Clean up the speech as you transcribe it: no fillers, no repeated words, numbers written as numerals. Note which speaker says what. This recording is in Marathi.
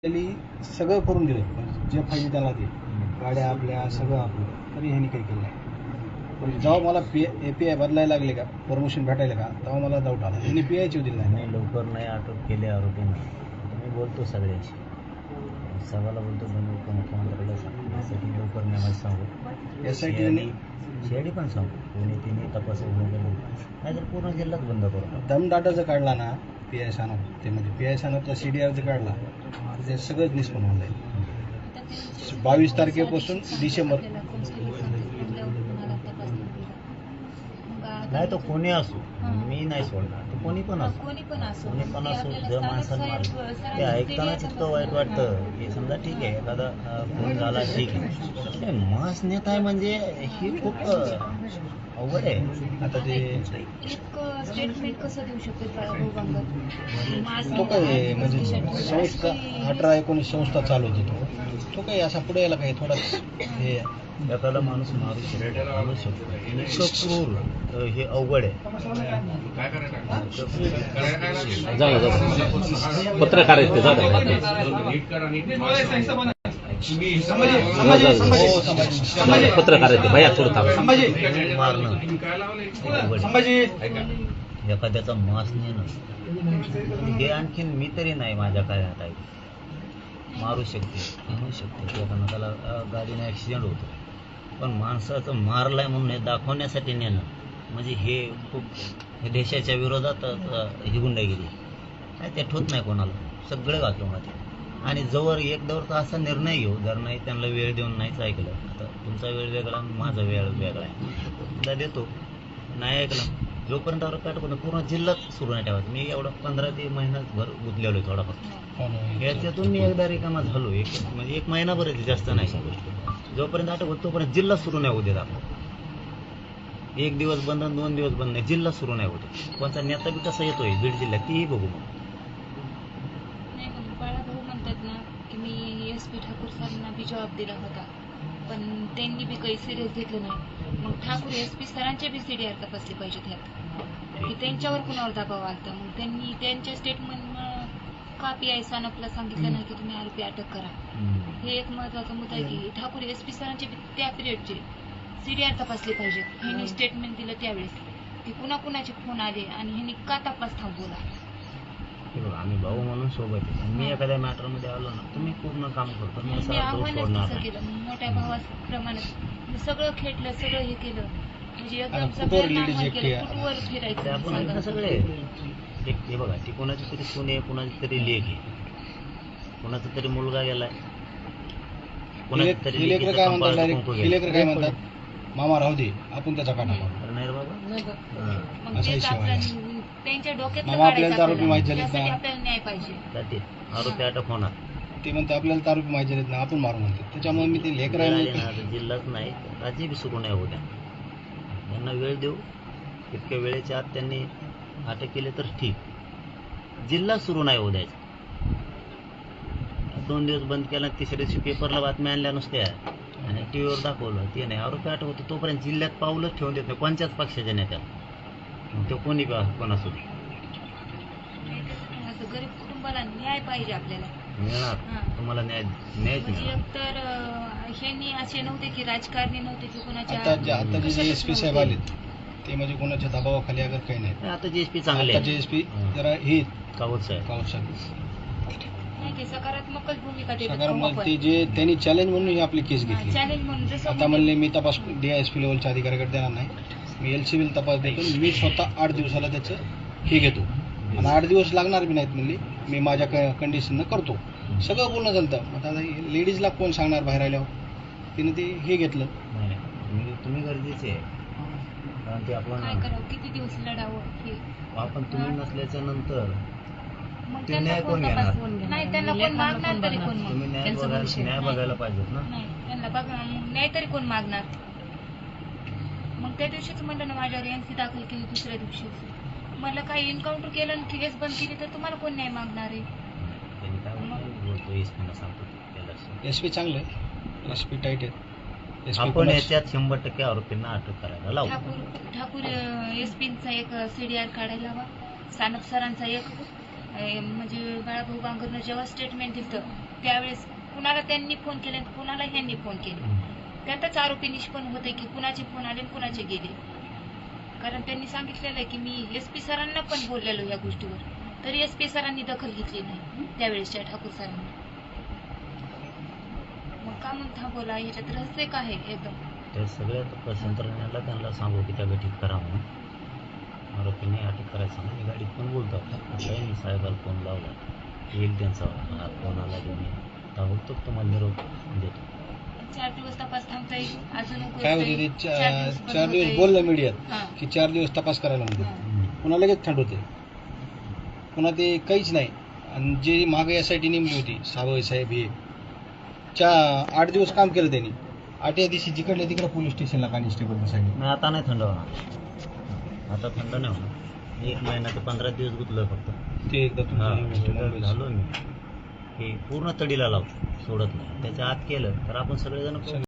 Speaker 1: सगळं करून दिलं, म्हणजे जे पाहिजे त्याला ते गाड्या आपल्या सगळं आपलं, तरी ह्यांनी काही केलं नाही. म्हणजे जेव्हा मला API बदलायला लागले का, परमिशन भेटायला का, तेव्हा मला डाऊट आला. ह्यांनी PI दिली नाही.
Speaker 2: लवकर नाही अटक केले आरोपींना. मी बोलतो सगळ्याशी, सगळ्याला बोलतो मुख्यमंत्र्याला सांगण्यासाठी लवकर नाही माझं सांगू. SIT पण सांगू, कोणी तिने तपास नाहीतर पूर्ण जिल्हाच बंद करू.
Speaker 1: दमदाटाचं काढला ना PI सानप, ते म्हणजे PI सानपचा CDR जर काढला तर ते सगळंच निष्पन्न होऊन जाईल. 22 तारखेपासून डिसेंबर.
Speaker 2: नाही तो कोणी असो, मी नाही सोडणार. तो कोणी पण असो, जर माणसाला मारलं ते ऐकतानाच इतकं वाईट वाटतं की समजा ठीक आहे एखादा खून झाला, ठीक आहे. मास नेता आहे म्हणजे ही खूप अवघड आहे.
Speaker 1: आता ते
Speaker 3: स्टेटमेंट कसं देऊ शकतो
Speaker 1: तो काय म्हणजे संस्था 18-19 संस्था चालवतो तो काही असा पुढे यायला काही थोडाच हे
Speaker 2: एखादा माणूस मारू शकतो. इतकं क्रूर हे अवघड आहे.
Speaker 4: पत्रकार आहेत ते पत्रकार आहेत भैया थोडं
Speaker 2: मारणं एखाद्याचा मास नेणं हे आणखीन मी तरी नाही माझ्या कार्यात आहे. मारू शकते, म्हणू शकते, एखादा त्याला गाडीने ॲक्सिडेंट होतो, पण माणसाचं मारलाय म्हणून हे दाखवण्यासाठी नेणं म्हणजे हे खूप देशाच्या विरोधात ही गुंडागिरी काय ते ठोत नाही कोणाला. सगळे वाक्यमध्ये आणि जवळ एक दवर तर असा निर्णय घेऊ, जर नाही त्यांना वेळ देऊन नाहीच ऐकलं. आता तुमचा वेळ वेगळा, माझा वेळ वेगळा आहे. तुला देतो, नाही ऐकलं जोपर्यंत आरोप पूर्ण जिल्ह्यात सुरू नाही ठेवायचं. मी एवढं 15 ते महिनाभर गुंतलेलो आहे थोडाफार. याच्यातून मी एकदा रिकामा झालो, म्हणजे 1 महिनाभर आहे, जास्त नाही. जोपर्यंत अटक होत तोपर्यंत जिल्हा सुरू नाही होऊ देत आपण. 1 दिवस बंद, 2 दिवस बंद नाही, जिल्हा सुरू नाही होते. कोणता नेता बी कसा येतोय बीड जिल्ह्यात तीही बघू.
Speaker 3: बाळाभाऊ म्हणतात ना की मी SP ठाकूर सरांना बी जॉब दिला होता, पण त्यांनी बी काही सिरियस घेतलं नाही. मग ठाकूर SP सरांचे बी CDR तपासले पाहिजेत ह्यात की त्यांच्यावर कुणावर दबाव आलता. मग त्यांनी त्यांच्या स्टेटमेंट का PI सानपला सांगितलं नाही की तुम्ही आरोपी अटक करा. हे एक महत्वाचा मुद्दा आहे की ठाकूर SP सरांचे त्या पिरियडचे CDR तपासले पाहिजेत. ह्यांनी स्टेटमेंट दिलं त्यावेळेस की कुणाकुणाचे फोन आले आणि ह्यांनी का तपास थांबवला.
Speaker 2: आम्ही भाऊ म्हणून सोबत आहे. मी एखाद्या मॅटर मध्ये आलो ना, तुम्ही पूर्ण काम करतो, मी असं
Speaker 3: आव्हानच केलं. मोठ्या भावाप्रमाणे सगळं खेटलं, सगळं हे केलं, म्हणजे एकदम कुठवर फिरायचं
Speaker 2: आपण सगळे. हे बघा, ती कोणाची तरी सून आहे, कोणाची तरी लेक आहे, कोणाचा तरी मुलगा गेलाय, कोणाची तरी
Speaker 1: काय म्हणतात, मामा राहू दे आपण त्याचा काढा
Speaker 2: नाही रे बाबा.
Speaker 1: असा हिशोब
Speaker 3: त्यांच्या डोक्यात
Speaker 1: आपल्याला आरोपी माहिती झालेत ना,
Speaker 3: आपल्याला न्याय पाहिजे.
Speaker 2: आरोपी अटक होणार.
Speaker 1: ते म्हणते आपल्याला आरोपी माहिती झालेत ना, आपण मारू म्हणते. त्याच्यामुळे मी ते
Speaker 2: जिल्हाच नाही, राज्य बी सुरू नाही होत्या. यांना वेळ देऊ, इतक्या वेळेच्या आत त्यांनी अटक केली तर ठीक. जिल्हा सुरू नाही होऊ द्यायचा. 2 दिवस बंद केला, तिसऱ्या दिवशी पेपरला बातम्या आणल्या नुसत्या आणि टीव्हीवर दाखवलं. ते नाही, आरोपी अटक होतो तोपर्यंत जिल्ह्यात पाऊलच ठेवून देत नाही कोणत्याच पक्षाच्या नेत्याला. ते कोणी कोण असू दे.
Speaker 3: गरीब कुटुंबाला न्याय पाहिजे आपल्याला.
Speaker 2: मिळणार तुम्हाला न्याय
Speaker 3: तर ह्यांनी असे नव्हते की राजकारणी नव्हते की कोणाच्या.
Speaker 1: आता जे SP साहेब आले ते म्हणजे कोणाच्या दबावाखाली अगर काही नाही.
Speaker 2: आता GSP चांगले,
Speaker 1: GSP जरा हे
Speaker 2: कावत साहेब
Speaker 3: नाही, सकारात्मकच भूमिका
Speaker 1: ते जे त्यांनी चॅलेंज म्हणून ही आपली केस घेतली.
Speaker 3: चॅलेंज म्हणून आता
Speaker 1: म्हणले मी तपास DISP लेवलच्या अधिकाऱ्याकडे देणार नाही, मी LCB तपास देतो. मी स्वतः 8 दिवसाला त्याचं हे घेतो आणि 8 दिवस लागणार बी नाहीत म्हणले, मी माझ्या कंडिशननं करतो. सगळं बोलणं चालतं. आता लेडीजला कोण सांगणार बाहेर आल्यावर. तिने ते हे घेतलं.
Speaker 2: तुम्ही गरजेचे आहे, कारण ते आपण
Speaker 3: काय करावं, किती दिवस लढावं.
Speaker 2: आपण तुम्ही नसल्याच्या नंतर
Speaker 3: ते न्याय कोण घेणार. नाही, त्यांना कोण मागणार तरी कोण.
Speaker 2: तुम्ही न्याय बघायला पाहिजेत ना.
Speaker 3: नाही, त्यांना बघा न्याय तरी कोण मागणार. मग त्या दिवशीच म्हणलं ना माझ्यावर NC दाखल केली. दुसऱ्या दिवशीच मला काही एन्काउंटर केलं आणि केस बंद केली तर तुम्हाला कोण न्याय मागणार आहे.
Speaker 1: SP चांगलं आहे, SP टाईट आहे.
Speaker 2: आपण याच्यात 100% आरोपींना अटक करायला लावू.
Speaker 3: ठाकूर SPचा एक CDR काढायला हवा. सानप सरांचा एक म्हणजे बाळाभाऊ बांगरनं जेव्हा स्टेटमेंट दिलं त्यावेळेस कुणाला त्यांनी फोन केले आणि कुणाला ह्यांनी फोन केले. त्यातच आरोपी निष्पन्न होते की कुणाचे फोन आले आणि कुणाचे गेले. कारण त्यांनी सांगितलेलं आहे की मी SP सरांना पण बोललेलो या गोष्टीवर, तरी SP सरांनी दखल घेतली नाही त्यावेळेसच्या ठाकूर सरांनी. मग का म्हणून थांबवला, ह्याच्यात रहस्य काय आहे एकदम.
Speaker 2: त्या सगळ्या तपास यंत्रणेला त्यांना सांगू की त्या गठीत करा म्हणून, आरोपीने अटक करायला सांगून मी गाडीत पण बोलतो. आता मी साहेबाला फोन लावला, येईल त्यांचा फोन आला की मी ताबडतोब तुम्हाला निरोप देतो.
Speaker 3: 4 दिवस तपास थांबता येईल, अजून
Speaker 1: काय होते ते 4 दिवस बोललं मीडियात की 4 दिवस तपास करायला म्हणते, पुन्हा लगेच थंड होते, पुन्हा ते काहीच नाही. आणि जे मागे SIT नेमली होती सावय साहेब हे 8 दिवस काम केलं त्यांनी. 8व्या दिवशी जिकडल्या तिकडे पोलीस स्टेशनला कॉन्स्टेबलने सांगितलं.
Speaker 2: नाही आता नाही थंड होणार, आता थंड नाही होणार. 1 महिना ते 15 दिवस गुतलोय फक्त.
Speaker 1: ते एकदा
Speaker 2: झालो मी की पूर्ण तडीला लावतो, सोडत नाही. त्याच्या आत केलं तर आपण सगळेजण